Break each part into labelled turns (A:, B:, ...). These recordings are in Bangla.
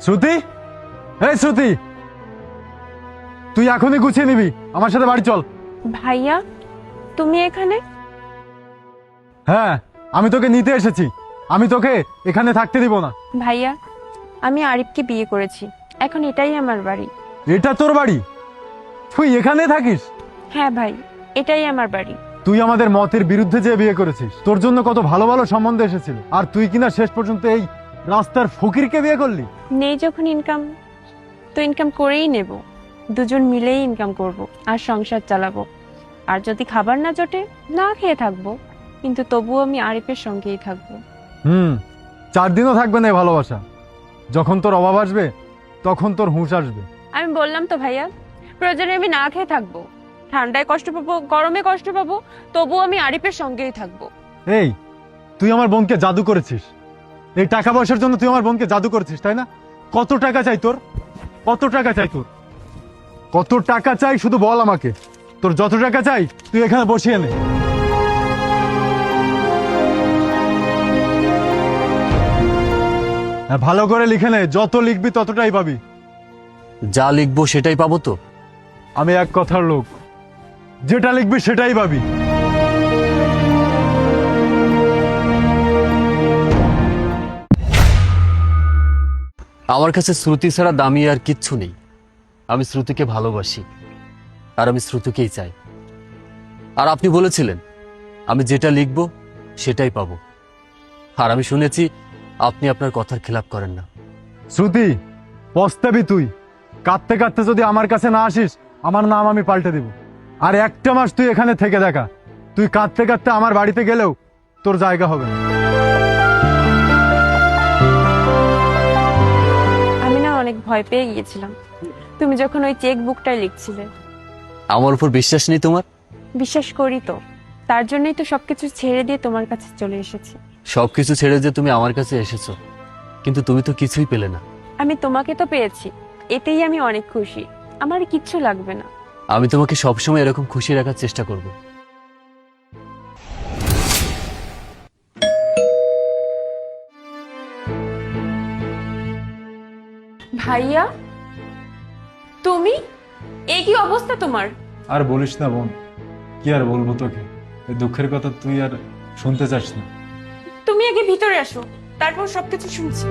A: শ্রুতি, এই শ্রুতি, তুই এখনই গুছিয়ে নিবি, আমার সাথে বাড়ি চল।
B: ভাইয়া তুমি এখানে?
A: হ্যাঁ, আমি তোকে নিতে এসেছি। আমি তোকে এখানে থাকতে দিব না।
B: ভাইয়া আমি আরিফকে বিয়ে করেছি, এখন এটাই আমার বাড়ি।
A: এটা তোর বাড়ি? তুই এখানে থাকিস?
B: হ্যাঁ ভাই, এটাই আমার বাড়ি।
A: তুই আমাদের মতের বিরুদ্ধে যে বিয়ে করেছিস, তোর জন্য কত ভালো ভালো সম্বন্ধ এসেছিল, আর তুই কিনা শেষ পর্যন্ত এই রাস্তার ফকিরকে বিয়ে করলি।
B: নেই যখন ইনকাম, তো ইনকাম করেই নেব, দুজন মিলেই ইনকাম করব আর সংসার চালাবো। আর যদি খাবার না জোটে, না খেয়ে থাকবো, কিন্তু তবুও আমি আরিফের সঙ্গেই থাকবো।
A: 4 দিনও থাকবে না এই ভালোবাসা। যখন তোর অভাব আসবে, তখন তোর হুঁশ আসবে।
B: আমি বললাম তো ভাইয়া, প্রয়োজনে আমি না খেয়ে থাকবো, ঠান্ডায় কষ্ট পাবো, গরমে কষ্ট পাবো, তবুও আমি আরিফের সঙ্গেই থাকবো।
A: এই, তুই আমার বোনকে জাদু করেছিস। এই টাকা পয়সার জন্য তুই আমার বোনকে জাদু করেছিস, তাই না? কত টাকা চাই তোর? কত টাকা চাই তোর? কত টাকা চাই শুধু বল আমাকে। তোর যত টাকা চাই তুই এখানে বসিয়ে নে। হ্যাঁ, ভালো করে লিখে নে, যত লিখবি ততটাই পাবি।
C: যা লিখবো সেটাই পাবো তো?
A: আমি এক কথার লোক, যেটা লিখবি সেটাই পাবি।
C: আমার কাছে শ্রুতি ছাড়া দামি আর কিচ্ছু নেই। আমি শ্রুতিকে ভালোবাসি, আর আমি শ্রুতিকেই চাই। আর আপনি বলেছিলেন আমি যেটা লিখবো সেটাই পাবো, আর আমি শুনেছি আপনি আপনার কথার খেলাপ করেন না।
A: শ্রুতি, পস্তাবি তুই। কাঁদতে কাঁদতে যদি আমার কাছে না আসিস, আমার নাম আমি পাল্টে দিব। আর একটা মাস তুই এখানে থেকে দেখা, তুই কাঁদতে কাঁদতে আমার বাড়িতে গেলেও তোর জায়গা হবে না।
B: আমি না অনেক ভয় পেয়ে গিয়েছিলাম তুমি যখন ওই চেক বুকটাই লিখছিলে।
C: আমার উপর বিশ্বাস নেই তোমার?
B: বিশ্বাস করি তো, তার জন্যই তো সবকিছু ছেড়ে দিয়ে তোমার কাছে চলে এসেছি।
C: সবকিছু ছেড়ে যে তুমি আমার কাছে এসেছো, কিন্তু তুমি তো কিছুই পেলে না।
B: আমি তোমাকে তো পেয়েছি, এতেই আমি অনেক খুশি। আমার কিচ্ছু লাগবে না।
C: আমি তোমাকে সবসময় এরকম খুশি রাখার চেষ্টা করব।
B: ভাইয়া তুমি, এই কি অবস্থা তোমার?
A: আর বলিস না বোন, কি আর বলবো তোকে। এই দুঃখের কথা তুই আর শুনতে চাস না।
B: তুমি আগে ভিতরে আসো, তারপর সবকিছু শুনছি।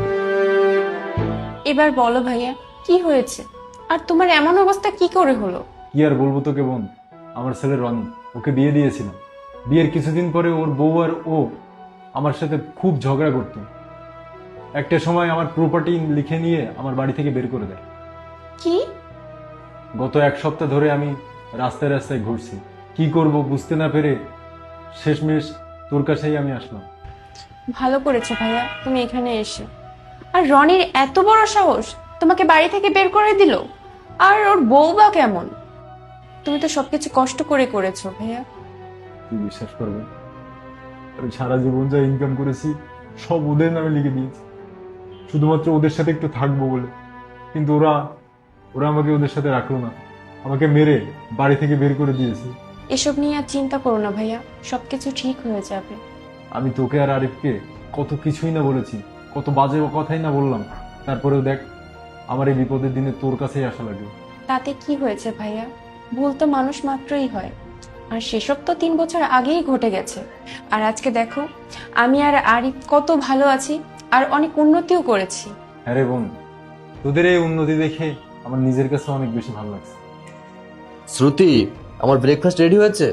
B: এবার বলো ভাইয়া, কি হয়েছে? আর তোমার এমন অবস্থা কি করে হলো?
A: কি আর বলবো তোকে বোন, আমার ছেলে রনি, ওকে বিয়ে দিয়েছিলাম। বিয়ের কিছুদিন পরে ওর বউ আর ও আমার সাথে খুব ঝগড়া করতো। একটা সময় আমার প্রপার্টি লিখে নিয়ে আমার বাড়ি থেকে বের করে দেয়।
B: কি?
A: গত 1 সপ্তাহ ধরে আমি রাস্তায় রাস্তায় ঘুরছি, কি করব বুঝতে না পেরে শেষমেশ তোর কাছেই আমি আসলাম।
B: ভালো করেছো ভাইয়া তুমি এখানে এসে। আর রনির এত বড় সাহস তোমাকে বাড়ি থেকে বের করে দিল? আর ওর বউ বা কেমন? তুমি তো সবকিছু কষ্ট করে করেছো ভাইয়া।
A: তুই বিশ্বাস করবে, আমি সারা জীবন যা ইনকাম করেছি সব ওদের নামে লিখে দিয়েছি, শুধুমাত্র ওদের সাথে একটু থাকবো বলে। কিন্তু ওরা ওরা আমাকে ওদের সাথে রাখলো না, আমাকে মেরে বাড়ি থেকে বের করে দিয়েছে।
B: এসব নিয়ে আর চিন্তা করো না ভাইয়া, সবকিছু ঠিক হয়ে যাবে।
A: আমি তোকে আর আরিফকে কত কিছুই না বলেছি, কত বাজে কথাই না বললাম, তারপরেও দেখ আমার এই বিপদের দিনে তোর কাছেই আসা লাগে।
B: তাতে কি হয়েছে ভাইয়া? ভুল তো মানুষ মাত্রই হয়, আর সেসব তো 3 বছর আগেই ঘটে গেছে। আর আজকে দেখো, আমি আর আরিফ কত ভালো আছি, আর অনেক উন্নতিও করেছি।
A: হ্যাঁ রে বোন, তোদের এই উন্নতি দেখে আমার নিজের কাছে অনেক বেশি ভালো লাগছে।
C: শ্রুতি, আমার ব্রেকফাস্ট রেডি হয়েছে।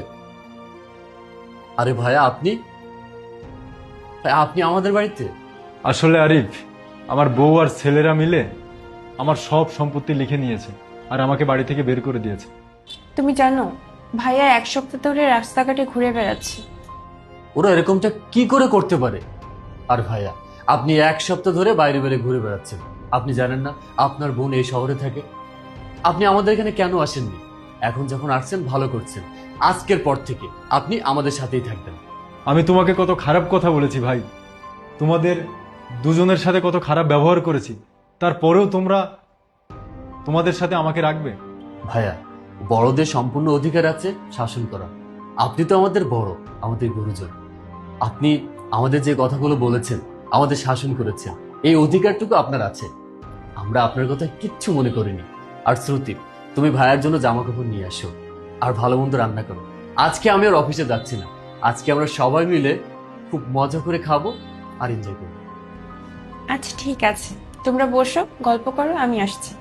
C: আরে ভাইয়া, আপনি আপনি আমাদের বাড়িতে?
A: আসলে আরিফ, আমার বউ আর ছেলেরা মিলে আমার সব সম্পত্তি লিখে নিয়েছে আর আমাকে বাড়ি থেকে বের করে দিয়েছে।
B: তুমি জানো, ভাইয়া 1 সপ্তাহ ধরে রাস্তাঘাটে ঘুরে বেড়াচ্ছে।
C: ওরা এরকমটা কি করে করতে পারে? আর ভাইয়া, আপনি 1 সপ্তাহ ধরে বাইরে বাইরে ঘুরে বেড়াচ্ছেন। আপনি জানেন না আপনার বোন এই শহরে থাকে? আপনি আমাদের এখানে কেন আসেননি? এখন যখন আসছেন ভালো করছেন। আজকের পর থেকে আপনি আমাদের সাথেই থাকবেন।
A: আমি তোমাকে কত খারাপ কথা বলেছি ভাই, তোমাদের দুজনের সাথে কত খারাপ ব্যবহার করেছি, তারপরেও তোমরা তোমাদের সাথে আমাকে রাখবে?
C: ভাইয়া, বড়দের সম্পূর্ণ অধিকার আছে শাসন করা। আপনি তো আমাদের বড়, আমাদের গুরুজন। আপনি আমাদের যে কথাগুলো বলেছেন, আমাদের শাসন করেছেন, এই অধিকারটুকু আপনার আছে। আমরা আপনার কথা কিচ্ছু মনে করিনি। আর শ্রুতি, তুমি ভাইয়ার জন্য জামা কাপড় নিয়ে আসো আর ভালো মন্দ রান্না করো। আজকে আমি আর অফিসে যাচ্ছি না, আজকে আমরা সবাই মিলে খুব মজা করে খাবো আর এনজয় করবো।
B: আচ্ছা ঠিক আছে, তোমরা বসো, গল্প করো, আমি আসছি।